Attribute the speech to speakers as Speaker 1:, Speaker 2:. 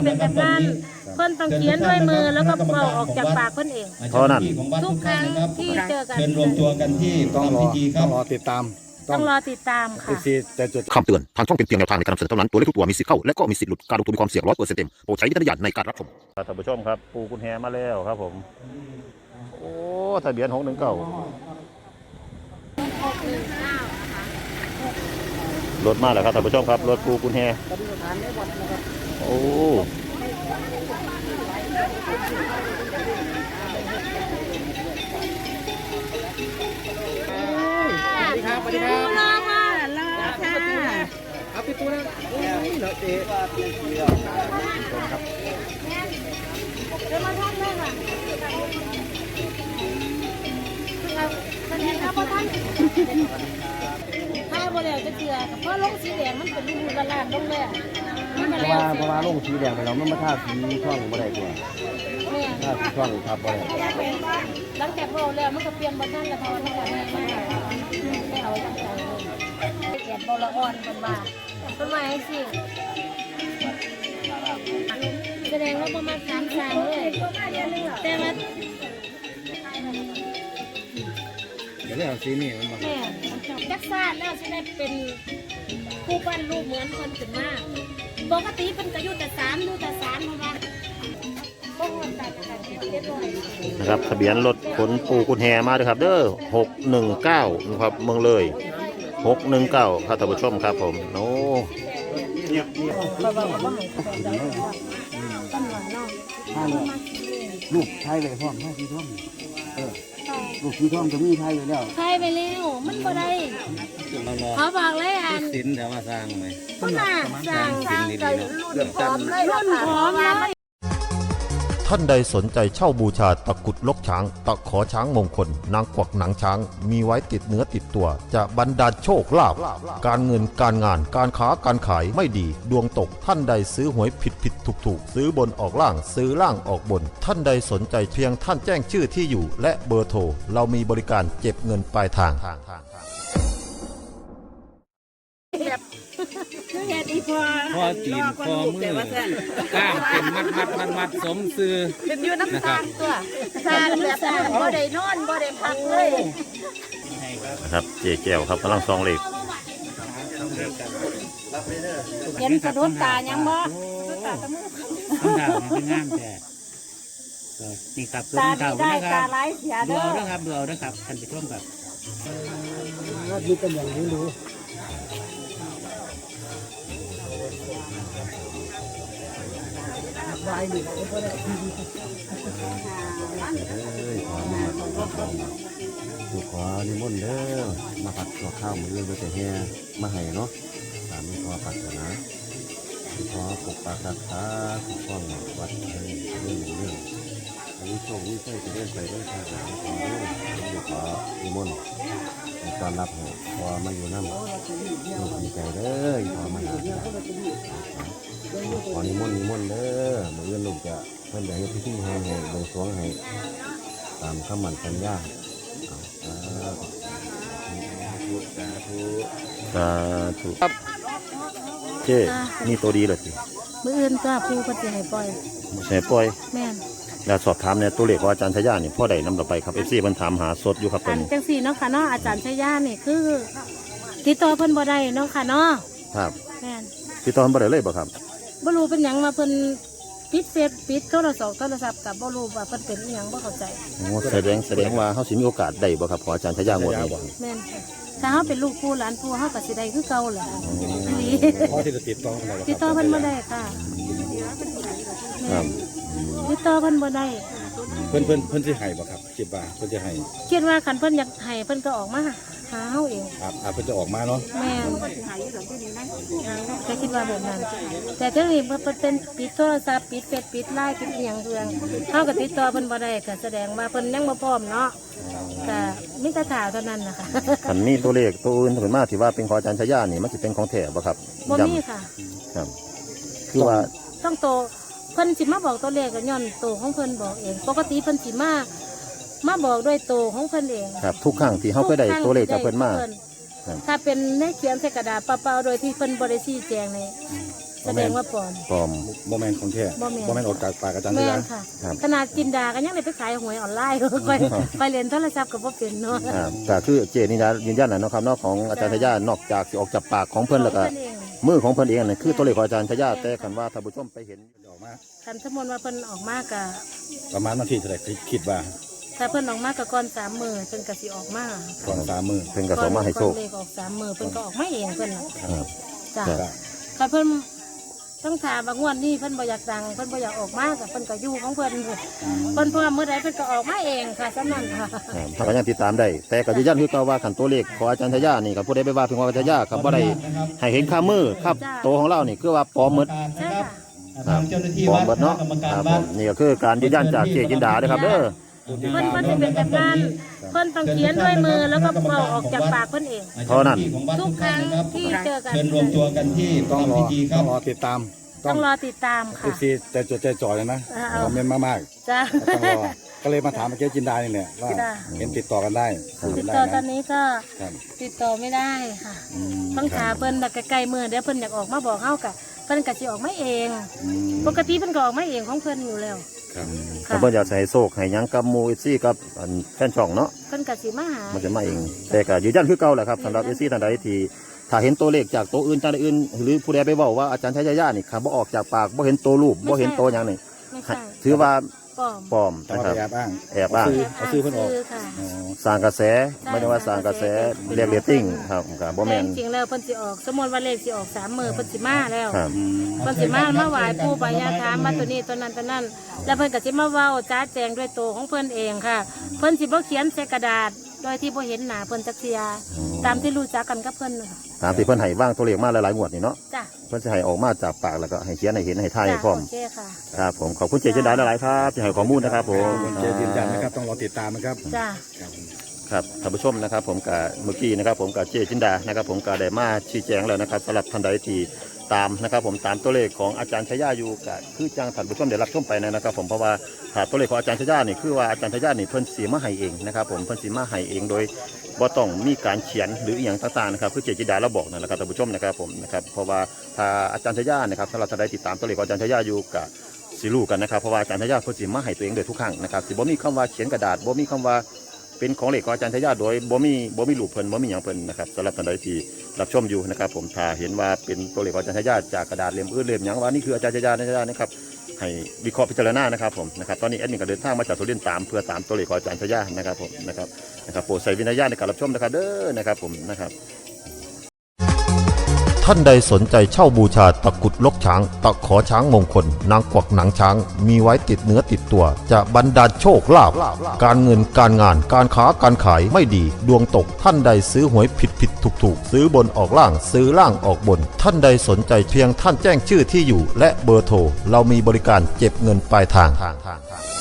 Speaker 1: เป็นแบบนั้นเพิ่นต้องเขียนด้วยมือแล้วก็เป่าออกจากปากเพิ่นเอง
Speaker 2: เพราะนั้น
Speaker 1: ทุกครั้งที่เจอกัน
Speaker 2: เชิญรวมตัวกันที่
Speaker 3: ต้องรอ
Speaker 2: พิธีครับ
Speaker 3: ต้องรอติดตาม
Speaker 1: ต้องรอติดตามค่ะ
Speaker 3: แต่จุด
Speaker 4: คำเตือนทางช่องเป็นเพียงแนวทางในการนำเสนอเท่านั้นตัวเลขทุกตัวมีสิทธิ์เข้าและก็มีสิทธิ์หลุดการลงทุนมีความเสี่ยง100%เต็มโปรดใช้วิจารณญาณในการรับชมท่านผู้ชมครับปูกุญแฮมาแล้วครับผมโอ้ทะเบียน619รถมาแล้วครับท่านผู้ชมครับรถปูกุญแฮโอ้
Speaker 3: สวัสดีครับสวัสดีครับ
Speaker 1: รอค่ะรอค่ะ
Speaker 3: เอาพี่ตู้นะเหรอเจ๊
Speaker 1: เดี๋ยวมาท่านเลยค่ะท่านเห็นครับท่านถ้าบ่แล้วจะเกลือเพราะลงสีแดงมันเป็นรูละลานลงเลยมันมาแล้ว
Speaker 3: เพราะว่าลงสีแดงไปแล้วมันมาท่าสีช่องบ่ได้กว่า
Speaker 1: แม่
Speaker 3: ท่าสีช่องทับบ่ได้
Speaker 1: หลังจากเราแล้วมันก็เปลี่ยนบนท่านละทอนแล้วก็แม่มากไม่เอาตั้งใจเลยแอบบ่ละอ่อนกันมาต้นไม้สิแสดงว่าประมาณ3 เลยแต่ว่า
Speaker 3: เดี๋ยวเอาสีนี่มันมา
Speaker 1: แม่จักซาดแล้วจะได้เป็นผู้ปั้นรูปเหมือนคนขึ้นมาปกติเป็นกระยุแต่3ดูแต่3เพราะว่าพวกคนตัดกันเรียบร้อย
Speaker 4: นะครับทะเบียนรถขนปูกุญแฮมาด้วยครับเด้อ619นะครับเมืองเลย619ครับท่านผู้ชมครับผมโอ้
Speaker 3: ลูกไทยเลยพ่อแม่สีท่องลูกสีท่องจะมีไทยเลยแล้ว
Speaker 1: ใช่ไปแล้วมันก็ได้เขาบอกเลยอัน
Speaker 3: สินแต่ว่าสร้างไหม
Speaker 1: คุณน่ะสร้างกับรุ่นพร้อมเลยรุ่นพร้อมเลย
Speaker 4: ท่านใดสนใจเช่าบูชาตะกุดลกช้างตะขอช้างมงคลนางกวักหนังช้างมีไว้ติดเนื้อติดตัวจะบรรดาลโชคลาภการเงินการงานการค้าการขายไม่ดีดวงตกท่านใดซื้อหวยผิดถูกซื้อบนออกล่างซื้อล่างออกบน ท่านใดสนใจเพียงท่านแจ้งชื่อที่อยู่และเบอร์โทรเรามีบริการเก็บเงินปลายทาง
Speaker 1: เฮ็ดอีพอ
Speaker 5: พอตีนพอมือกล้ามเป็นมัดสมซื้อ
Speaker 1: เป็นอยู่น้ำตาลตัวตาแบบบ่ได้นอนบ่ได้พักเลย
Speaker 4: นะครับเจ๊แก้วครับกำลังซองเหล็ก
Speaker 1: เห็นสะดุดตายังบ่
Speaker 5: คำถามเป็นงามแต่นี่ครับ
Speaker 1: ตา
Speaker 5: คำถาม
Speaker 1: ดีได้
Speaker 5: นะค
Speaker 1: ตา
Speaker 5: รับ
Speaker 1: ร้ายเสีย
Speaker 5: ดู
Speaker 1: เด้อ
Speaker 5: เอานะครับดูเอานะครับท่านผู้ชมครับ
Speaker 3: ว่าดีเป็นอย่างนี้รู้วายดิขอนิมนต์เด้อมาผัดตัวข้าวมือเรื่องแต่แห่มาให้เนาะตามนี้ขอปัดนะขอปกปักรักษาคุ้มครองวัดเรื่องอันนี้โชคนี้ใช่จะเลื่อนไปเรื่องทางหลังขอขอนิมนต์ในตอนรับให้พอมาอยู่น้ำลูกดีใจเด้อพอมาหาขอนิมนต์เด้อเมื่อลูกจะเพิ่นจะให้พิธีให้บวงสรวงให้ตามคำมั่นสัญญาสาธุครับเจ๊นี่ตัวดีเลยสิ
Speaker 1: มื้ออื่นก็ผู้เพิ่นสิให้ปล่อย
Speaker 4: แช่ปล่อย
Speaker 1: แม่น
Speaker 4: แล้วสอบถามเนี่ยตัวเลขของอาจารย์ชยาเนี่ยพ่อใดนำเราไปครับ FC เพิ่นถามหาสดอยู่ครับเพิ่น
Speaker 1: จังซี่เนาะค่ะเนาะอาจารย์ชยานี่คือติดต่อเพิ่นบ่ได้เนาะค่ะเนาะ
Speaker 4: ครับ
Speaker 1: แม่น
Speaker 4: ติดต่อเพิ่นบ่ได้เลยบ่ครับ
Speaker 1: บ่รู้เป็นหยังว่าเพิ่นปิดเฟซปิดโทรศัพท์กับบ่รู้ว่าเพิ่นเป็นอีหยังบ่เข้าใจ
Speaker 4: โอ้แสดงว่าเฮาสิมีโอกาสได้บ่ครับของอาจารย์ชยางวดนี้บ่
Speaker 1: แม่นค่ะถ้าเฮาเป็นลูกผู้หลานผู้เฮาก็สิได้คือเก่าแหละอีหลี
Speaker 3: พ่อที่จะติดต่ออะไร
Speaker 1: ติดต่อเพิ่นบ่ได้ค่ะ
Speaker 4: ครับ
Speaker 1: ติดต่อเพิ่นบ่ได้
Speaker 3: เพิ่นสิให้บ่ครับคิดว่าเพิ่นจะให้
Speaker 1: คิดว่าคันเพิ่นอยากให้เพิ่นก็ออกมาหาเฮาเอง
Speaker 3: เพิ่นจะออกมาเนาะ
Speaker 1: แม่นก็คิดว่าแบบนั้น แต่เที่นี้เพิ่นเป็นปิดโทรศัพท์ปิดเฟซปิดไลน์ปิดอีหยังเรื่องเฮาก็ติดต่อเพิ่นบ่ได้ก็แสดงว่าเพิ่นยังบ่พร้อมเนาะก็มีแต่ถาเท่านั้นนะคะ
Speaker 4: คันมีตัวเลขตัวอื่นเพิ่นมาที่ว่าเป็นของอาจารย์ชยานี่มันสิเป็นของแท้บ่ครับ
Speaker 1: บ่มีค่ะ
Speaker 4: ครับคือว่า
Speaker 1: ต้องโตเพิ่นสิมาบอกตัวเลขก็ย้อนโตของเพิ่นบอกเอง ปกติเพิ่นสิมาบอกด้วยโตของเพิ่นเอง
Speaker 4: ครับทุกครั้งที่เฮาเคยได้ตัวเลขจากเพิ่นมา ครับ
Speaker 1: ถ้าเป็นในเขียนใส่กระดาษเปล่าๆโดยที่เพิ่นบ่ได้ชี้แจงนี่แสดงว่าปลอม
Speaker 3: ปลอม
Speaker 2: บ่แม่นของแท้
Speaker 1: บ่แม่น
Speaker 2: บ่แม่นออกจากปากอาจารย์
Speaker 1: แม่
Speaker 2: ได้
Speaker 1: นค่ะ
Speaker 3: ครับ
Speaker 1: ขนาดจินดาก็ยังได้ไปขายหวยออนไลน์ ไปเรียนโทรศัพท์กับบ่เป็นเนาะ
Speaker 3: ก็คือเจนี่นะยืนยันนะเนาะครับเนาะของอาจารย์ทยานอกจากสิออกจากปากของเพิ่นแล้วก็
Speaker 1: เพิ่นเอง
Speaker 3: มือของเพิ่นเองนั่นคือตัวเลขของอาจารย์ทยาแต่คันว่าท่านผู้ชมไปเห็น
Speaker 2: ออกมา
Speaker 1: คันสมมุติว่าเพิ่นออกมากะ
Speaker 2: ประมาณวันที่เท่าไหร่คิดว่า
Speaker 1: ถ้าเพิ่นออกมากะก่อน3 มื้อเพิ่นก็สิออกมา
Speaker 2: ก่อน3 มื้อ
Speaker 3: เพิ่นก็ส่งมาให้โชค
Speaker 1: ก่อนเลขออก3 มื้อเพิ่นก็ออกมาเองเพิ่นน่ะ
Speaker 3: ครับ
Speaker 1: จ้ะ
Speaker 3: ครับ
Speaker 1: คันเพิ่นต้องถามว่างวดนี้เพิ่นบ่อยากดังเพิ่นบ่อยากออกมาก็เพิ่นก็อยู่ของเพิ่นเพิ่นพร้อมมื้อใดเพิ่นก็ออกมาเองค่ะสำนั้นค่ะ
Speaker 3: ถ้าก็ยังติดตามได้ แต่ก็ยืนยันคือเก่าว่าคันตัวเลขของอาจารย์ทยานี่ก็ผู้ใดไปว่าเพิ่นว่าอาจารย์ทยาก็บ่ได้ให้เห็นค่ามือครับตัวของเรานี่คือว่าปลอมหมด
Speaker 1: ใช่ค่ะ
Speaker 3: ครับปลอมหมดเนาะครับผมนี่ก็คือการยืนยันจากเจจินดาเด้อครับเด้อ
Speaker 1: เพิ่นสิเป็นแบบนั้นเพิ่นต้องเขียนด้วยมือแล้วก็เป่าออกจากปากเพิ่นเอง
Speaker 3: เท่านั้น
Speaker 1: ทุกครั้งที่เจอกัน
Speaker 6: เชิญรวมตัวกันที่
Speaker 2: ต้องรอ
Speaker 6: ทำพิธีค
Speaker 2: ต้
Speaker 6: รั
Speaker 2: อบ งรอติดตาม
Speaker 1: ต้องรอติดตามค่ะ
Speaker 2: FC ใจจดใจจ่อเลยนะ
Speaker 1: เอา
Speaker 2: คอมเมนต์มาก
Speaker 1: จ้า
Speaker 2: ๆต้องรอก็เลยมาถามเมื่อกี้จินดานี่แหละว่า
Speaker 1: จ้ะ
Speaker 2: เห็นติดต่อกันได้
Speaker 1: ติด
Speaker 2: ได้
Speaker 1: ต่อตอ
Speaker 2: นะ
Speaker 1: นนี้ก็
Speaker 2: ครับ
Speaker 1: ติดต่อไม่ได้ค่ะ
Speaker 2: อืม
Speaker 1: ต้องถามเพิ่นแบบใกล้ๆมือเดี๋ยวเพิ่นอยากออกมาบอกเฮากะเพิ่นก็สิออกมาเอง
Speaker 2: อืม
Speaker 1: ปกติเพิ่นก็ออกมาเองของเพิ่นอยู่แล้ว
Speaker 2: ครับ
Speaker 3: ถ้าเพิ่นอยากจะให้โชคให้หยังกับหมู่ FC กับอันแฟนช่องเนาะ
Speaker 1: เพิ่นก็สิมาหา
Speaker 3: มันจะมาเอง แต่ก็ยืนยันคือเก่าแหละครับสำหรับ FC ท่านใดที่ถ้าเห็นตัวเลขจากตัวอื่นจากอื่น หรือผู้ใดไปเว้าว่าอาจารย์ทยานี่ครับบ่ออกจากปากบ่เห็นตัวรูปบ่เห็นตัวหยังนี่
Speaker 1: ไม่ใช่
Speaker 3: ถือว่า
Speaker 1: ปลอม
Speaker 3: ปลอม
Speaker 2: ต้อง
Speaker 3: นะ
Speaker 2: เอา
Speaker 3: ครับ
Speaker 2: ไปแอบอ้าง
Speaker 3: แอบอ้าง
Speaker 2: เอาชื่อเพิ่นออก
Speaker 1: ซื้ค่ะ
Speaker 2: อ๋อ
Speaker 3: สร้างกระแสไม่ได้ว่าสร้างกระแสเรียกเรตติ้งครับครับบ่
Speaker 1: แต่
Speaker 3: แม่น
Speaker 1: จริงๆแล้วเพิ่นสิออกสมมุติว่าเลขสิออก3มื้อเพิ่นสิมาแล้ว
Speaker 3: ครับ
Speaker 1: เพิ่นสิมาไหว้ปู่ปายาถามมาตัวนี้ตัวนั้นตัวนั้น แล้วเพิ่นก็สิมาเว้าจ้าแจงด้วยตัวของเพิ่นเองค่ะ เพิ่นสิบ่เขียนใส่กระดาษ โดยที่บ่เห็นหน้าเพิ่นจักเทียตามที่รู้จักกันกับเพิ่นน่ะค่ะ
Speaker 3: ตามที่เพิ่นให้วางตัวเลขมาหลายๆงวดนี่เนาะ
Speaker 1: จ้ะ
Speaker 3: เพิ่นสิให้ออกมาจากปากแล้วก็ให้เขียนให้เห็นให้ทายให้พร้อม
Speaker 1: โอเคค่ะ
Speaker 3: ครับผมขอบคุณเจจินดาหลายๆครับที่ให้ข้อมูลนะครับผม
Speaker 2: เจยืนยันนะครับต้องรอติดตามนะครับ
Speaker 1: จ้ะ
Speaker 3: ครับท่านผู้ชมนะครับผมกับเมื่อกี้นะครับผมกับเจจินดานะครับผมก็ได้มาชี้แจงแล้วนะครับสำหรับท่านใดที่ตามนะครับผมตามตัวเลขของอาจารย์ชยาอยู่ก็คือจังท่านผู้ชมได้รับชมไปนะครับผมเพราะว่าถ้าตัวเลขของอาจารย์ชยานี่คือว่าอาจารย์ชยานี่เพิ่นสีมาให้เองนะครับผมเพิ่นสีมาให้เองโดยบ่ต้องมีการเขียนหรืออหย่างต่างๆนะครับคือเจจินดาเราบอกนั่นแหละครับท่านผู้ชมนะครับผมนะครับเพราะว่าถ้าอาจารย์ชยานะครับสำหรับท่านใดติดตามตัวเลขของอาจารย์ชยาอยู่ก็สิรู้กันนะครับเพราะว่าอาจารย์ชยาเพิ่นสิมาให้ตัวเองโดยทุกครั้งนะครับสิบ่มีคำว่าเขียนกระดาษบ่มีคำว่าเป็นของเหล็กของอาจารย์ทยาโดยบ่มีรูปเพิ่นบ่มีหยังเพิ่นนะครับสำหรับท่านใดที่รับชมอยู่นะครับผมถ้าเห็นว่าเป็นตัวเหล็กของอาจารย์ทยาจากกระดาษเล่มอื่นเล่มหยังว่านี่คืออาจารย์ทยานะครับให้วิเคราะห์พิจารณานะครับผมนะครับตอนนี้แอดมินก็เดินทางมาจากสุรินทร์ตามเพื่อตามตัวเหล็กของอาจารย์ทยานะครับผมนะครับโปรดใส่วิญญาณในการรับชมนะครับเด้อนะครับผมนะครับ
Speaker 4: ท่านใดสนใจเช่าบูชาตะกรุดลกช้าง ตะขอช้างมงคล นางกวักหนังช้าง มีไว้ติดเนื้อติดตัว จะบรรดาลโชคลาภการเงินการงานการค้าการขายไม่ดี ดวงตกท่านใดซื้อหวยผิดถูกซื้อบนออกล่างซื้อล่างออกบน ท่านใดสนใจเพียงท่านแจ้งชื่อที่อยู่ และเบอร์โทรเรามีบริการเก็บเงินปลายทาง